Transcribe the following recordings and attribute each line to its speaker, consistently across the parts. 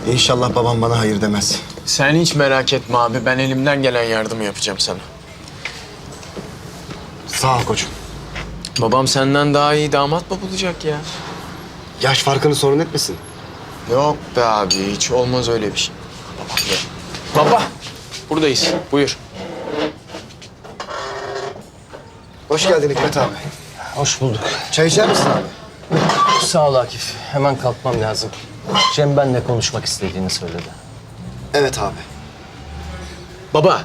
Speaker 1: İnşallah babam bana hayır demez.
Speaker 2: Sen hiç merak etme abi. Ben elimden gelen yardımı yapacağım sana.
Speaker 1: Sağ ol koçum.
Speaker 2: Babam senden daha iyi damat mı bulacak ya?
Speaker 1: Yaş farkını sorun etmesin.
Speaker 2: Yok be abi. Hiç olmaz öyle bir şey. Baba. Buradayız. Buyur.
Speaker 1: Hoş geldin Hikmet abi.
Speaker 3: Hoş bulduk.
Speaker 1: Çay içer misin abi?
Speaker 3: Sağ ol Akif. Hemen kalkmam lazım. Cem benimle konuşmak istediğini söyledi.
Speaker 1: Evet abi.
Speaker 2: Baba.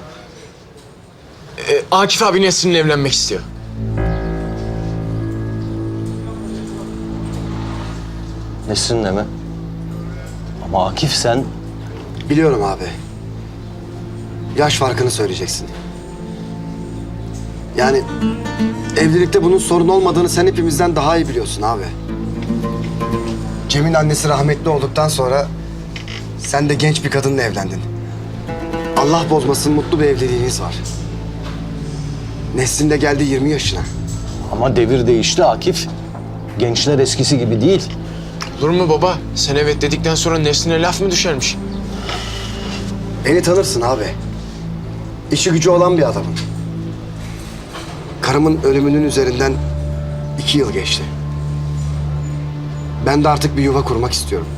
Speaker 2: Akif abi Nesrin'le evlenmek istiyor.
Speaker 3: Nesrin'le mi? Ama Akif sen...
Speaker 1: Biliyorum abi. Yaş farkını söyleyeceksin. Yani evlilikte bunun sorun olmadığını sen hepimizden daha iyi biliyorsun abi. Cem'in annesi rahmetli olduktan sonra sen de genç bir kadınla evlendin. Allah bozmasın, mutlu bir evliliğiniz var. Nesrin de geldi 20 yaşına.
Speaker 3: Ama devir değişti Akif. Gençler eskisi gibi değil.
Speaker 2: Olur mu baba? Sen evet dedikten sonra Nesrin'e laf mı düşermiş?
Speaker 1: Beni tanırsın abi. İşi gücü olan bir adamım. Karımın ölümünün üzerinden 2 yıl geçti. Ben de artık bir yuva kurmak istiyorum.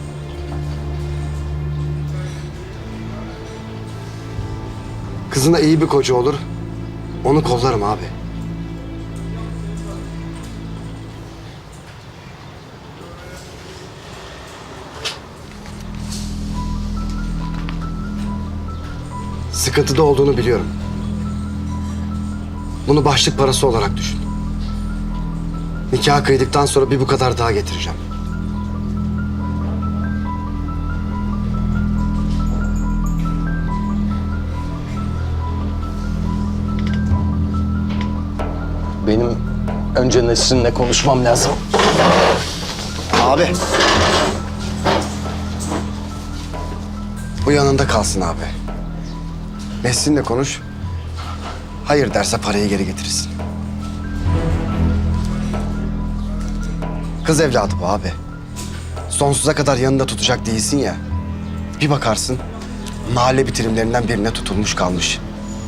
Speaker 1: Kızına iyi bir koca olur, onu kollarım abi. Sıkıntıda olduğunu biliyorum. Bunu başlık parası olarak düşün. Nikah kıydıktan sonra bir bu kadar daha getireceğim.
Speaker 3: Benim önce Nesrin'le konuşmam lazım.
Speaker 1: Abi. Bu yanında kalsın abi. Nesrin'le konuş. Hayır derse parayı geri getirirsin. Kız evladı bu abi. Sonsuza kadar yanında tutacak değilsin ya. Bir bakarsın mahalle bitirimlerinden birine tutulmuş kalmış.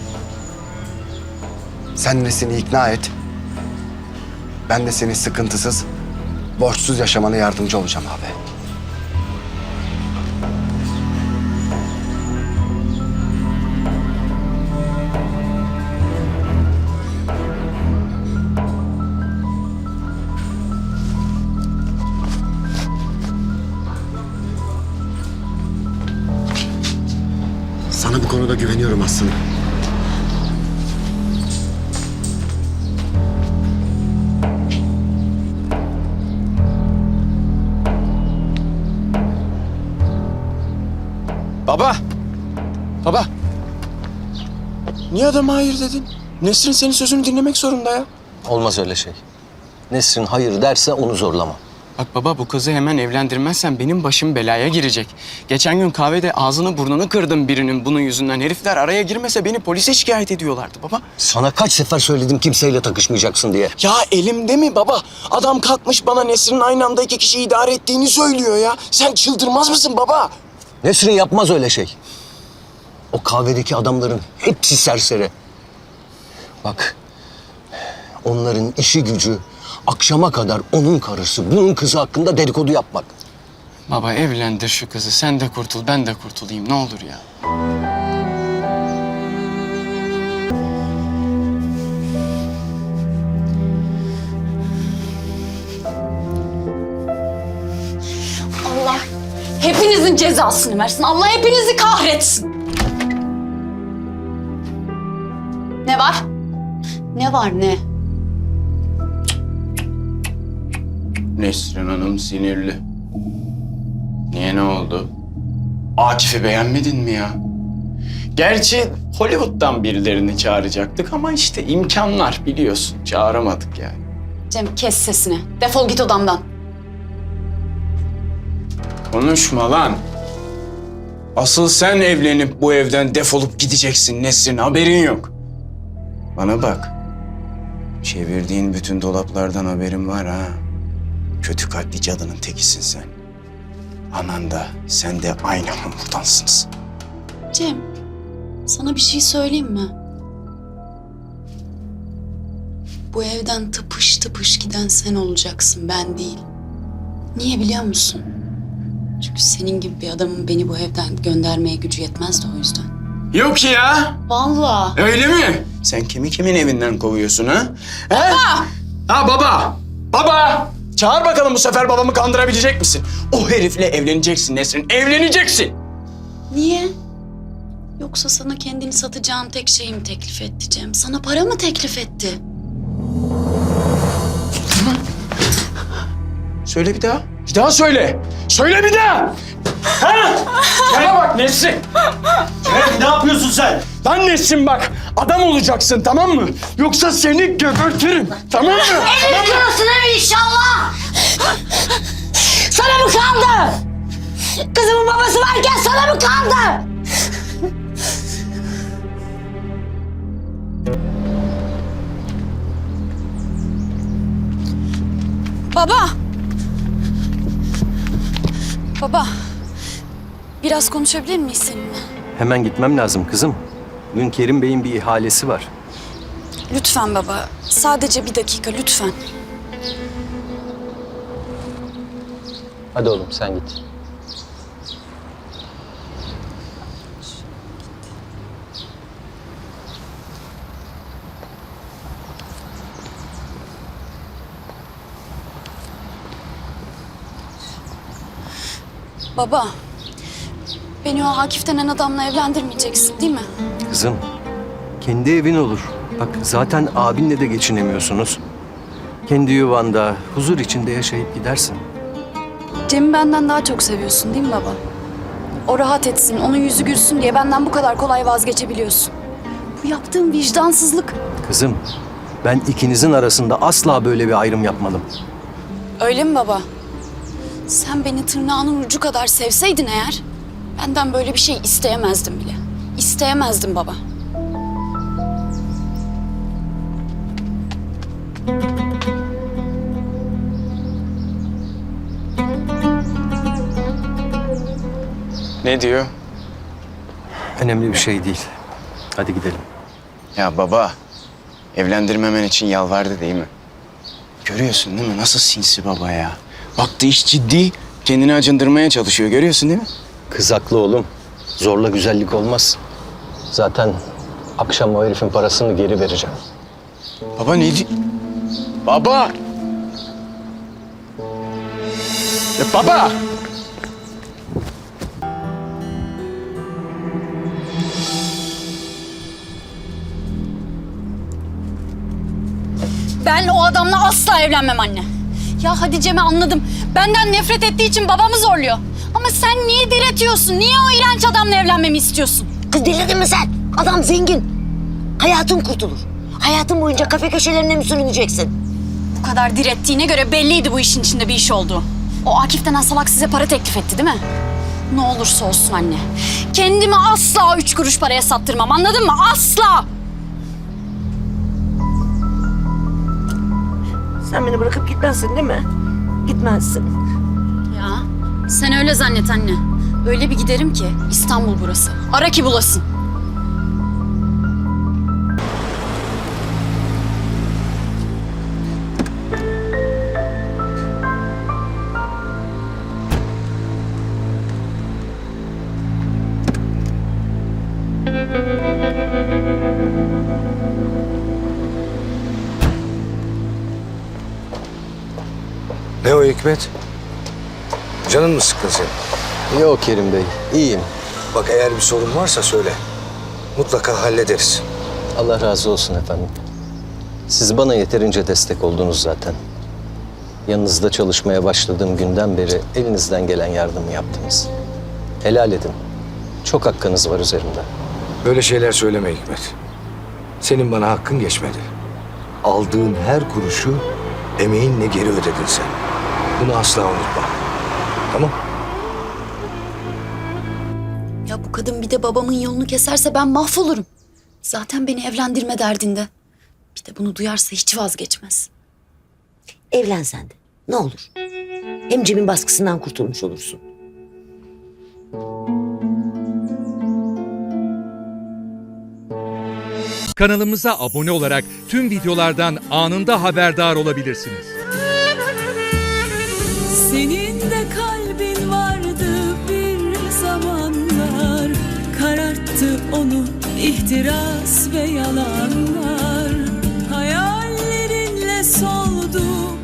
Speaker 1: Sen Nesrin'i ikna et. Ben de senin sıkıntısız, borçsuz yaşamana yardımcı olacağım abi. Sana bu konuda güveniyorum aslında.
Speaker 2: Baba. Baba. Niye adama hayır dedin? Nesrin senin sözünü dinlemek zorunda ya.
Speaker 3: Olmaz öyle şey. Nesrin hayır derse onu zorlama.
Speaker 4: Bak baba, bu kızı hemen evlendirmezsen benim başım belaya girecek. Geçen gün kahvede ağzını burnunu kırdım birinin bunun yüzünden. Herifler araya girmese beni polise şikayet ediyorlardı baba.
Speaker 3: Sana kaç sefer söyledim kimseyle takışmayacaksın diye.
Speaker 4: Ya elimde mi baba? Adam kalkmış bana Nesrin'in aynı anda 2 kişiyi idare ettiğini söylüyor ya. Sen çıldırmaz mısın baba?
Speaker 3: Nesrin yapmaz öyle şey. O kahvedeki adamların hepsi serseri. Bak, onların işi gücü akşama kadar onun karısı, bunun kızı hakkında dedikodu yapmak.
Speaker 4: Baba evlendir şu kızı. Sen de kurtul, ben de kurtulayım. Ne olur ya.
Speaker 5: Allah hepinizin cezasını versin. Allah hepinizi kahretsin. Ne var? Ne var ne?
Speaker 4: Nesrin Hanım sinirli. Niye, ne oldu? Akif'i beğenmedin mi ya? Gerçi Hollywood'dan birilerini çağıracaktık ama işte imkanlar biliyorsun. Çağıramadık yani.
Speaker 5: Cem kes sesini. Defol git odamdan.
Speaker 4: Konuşma lan. Asıl sen evlenip bu evden defolup gideceksin Nesrin, haberin yok. Bana bak. Çevirdiğin bütün dolaplardan haberim var ha. Kötü kalpli cadının tekisin sen. Anan da sen de aynı hamurdansınız.
Speaker 5: Cem, sana bir şey söyleyeyim mi? Bu evden tıpış tıpış giden sen olacaksın, ben değil. Niye biliyor musun? Çünkü senin gibi bir adamın beni bu evden göndermeye gücü yetmez de o yüzden.
Speaker 4: Yok ya.
Speaker 5: Vallahi.
Speaker 4: Öyle mi? Sen kimin evinden kovuyorsun ha? Baba! Ha baba! Baba! Çağır bakalım bu sefer babamı kandırabilecek misin? O herifle evleneceksin Nesrin, evleneceksin.
Speaker 5: Niye? Yoksa sana kendini satacağın tek şeyi mi teklif etti Cem? Sana para mı teklif etti?
Speaker 4: Söyle bir daha. Bir daha söyle. Söyle bir daha. Ha? Bana bak Nesrin.
Speaker 6: Ne yapıyorsun sen?
Speaker 4: Lan Nesrin bak. Adam olacaksın tamam mı? Yoksa seni gebertirim. Tamam mı?
Speaker 7: Evleniyorsun değil mi inşallah? Sana mı kaldı? Kızımın babası varken sana mı kaldı?
Speaker 5: Baba! Baba, biraz konuşabilir miyiz seninle?
Speaker 3: Hemen gitmem lazım kızım. Bugün Kerim Bey'in bir ihalesi var.
Speaker 5: Lütfen baba, sadece bir dakika lütfen.
Speaker 3: Hadi oğlum sen git.
Speaker 5: Baba, beni o Akif denen adamla evlendirmeyeceksin değil mi?
Speaker 3: Kızım, kendi evin olur. Bak zaten abinle de geçinemiyorsunuz. Kendi yuvanda, huzur içinde yaşayıp gidersin.
Speaker 5: Cem'i benden daha çok seviyorsun değil mi baba? O rahat etsin, onun yüzü gülsün diye benden bu kadar kolay vazgeçebiliyorsun. Bu yaptığın vicdansızlık.
Speaker 3: Kızım, ben ikinizin arasında asla böyle bir ayrım yapmadım.
Speaker 5: Öyle mi baba? Sen beni tırnağının ucu kadar sevseydin eğer, benden böyle bir şey isteyemezdim bile. İsteyemezdim baba.
Speaker 4: Ne diyor?
Speaker 3: Önemli bir şey değil. Hadi gidelim.
Speaker 4: Ya baba, evlendirmemen için yalvardı değil mi? Görüyorsun değil mi? Nasıl sinsi baba ya? Baktı iş ciddi, kendini acındırmaya çalışıyor. Görüyorsun değil mi?
Speaker 3: Kız haklı oğlum. Zorla güzellik olmaz. Zaten akşam o herifin parasını geri vereceğim.
Speaker 4: Baba ne di... Baba! Ya baba!
Speaker 5: Ben o adamla asla evlenmem anne. Ya hadi Cem'i anladım. Benden nefret ettiği için babamı zorluyor. Ama sen niye diretiyorsun? Niye o iğrenç adamla evlenmemi istiyorsun?
Speaker 7: Kız delirdin mi sen? Adam zengin. Hayatın kurtulur. Hayatın boyunca kafe köşelerine mi sürüneceksin?
Speaker 5: Bu kadar direttiğine göre belliydi bu işin içinde bir iş olduğu. O Akif denen salak size para teklif etti değil mi? Ne olursa olsun anne. Kendimi asla 3 kuruş paraya sattırmam, anladın mı? Asla!
Speaker 7: Sen beni bırakıp gitmezsin değil mi? Gitmezsin.
Speaker 5: Ya sen öyle zannet anne. Öyle bir giderim ki İstanbul burası. Ara ki bulasın.
Speaker 8: Ne o Hikmet? Canın mı sıkkın senin?
Speaker 3: Yok Kerim Bey, iyiyim.
Speaker 8: Bak eğer bir sorun varsa söyle. Mutlaka hallederiz.
Speaker 3: Allah razı olsun efendim. Siz bana yeterince destek oldunuz zaten. Yanınızda çalışmaya başladığım günden beri elinizden gelen yardımı yaptınız. Helal edin. Çok hakkınız var üzerimde.
Speaker 8: Böyle şeyler söyleme Hikmet. Senin bana hakkın geçmedi. Aldığın her kuruşu emeğinle geri ödedin sen. Bunu asla unutma. Tamam?
Speaker 5: Ya bu kadın bir de babamın yolunu keserse ben mahvolurum. Zaten beni evlendirme derdinde. Bir de bunu duyarsa hiç vazgeçmez.
Speaker 7: Evlen sen de. Ne olur. Hem Cem'in baskısından kurtulmuş olursun.
Speaker 9: Kanalımıza abone olarak tüm videolardan anında haberdar olabilirsiniz.
Speaker 10: Senin de kalbin vardı bir zamanlar, kararttı onu ihtiras ve yalanlar. Hayallerinle soldu